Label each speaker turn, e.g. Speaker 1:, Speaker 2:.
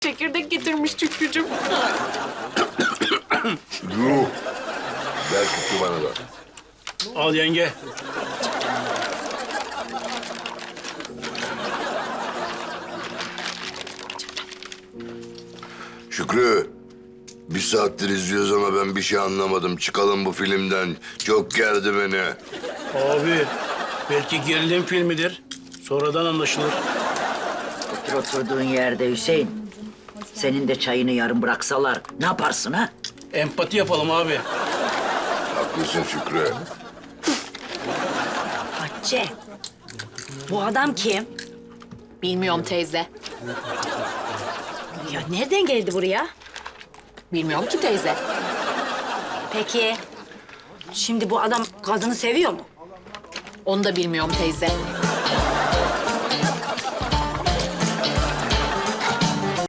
Speaker 1: çekirdek getirmiş Şükrücüm.
Speaker 2: Yuh. Ver Şükrü bana da.
Speaker 3: Al yenge.
Speaker 2: Şükrü. Bir saattir izliyoruz ama ben bir şey anlamadım. Çıkalım bu filmden. Çok gerdi beni.
Speaker 3: Abi belki gerilim filmidir. Sonradan anlaşılır.
Speaker 4: Otur oturduğun yerde Hüseyin. Senin de çayını yarım bıraksalar ne yaparsın ha?
Speaker 3: Empati yapalım abi.
Speaker 2: Haklısın Şükrü.
Speaker 5: Hatice, bu adam kim?
Speaker 1: Bilmiyorum teyze.
Speaker 5: Ya nereden geldi buraya?
Speaker 1: Bilmiyorum ki teyze.
Speaker 5: Peki, şimdi bu adam kadını seviyor mu?
Speaker 1: Onu da bilmiyorum teyze.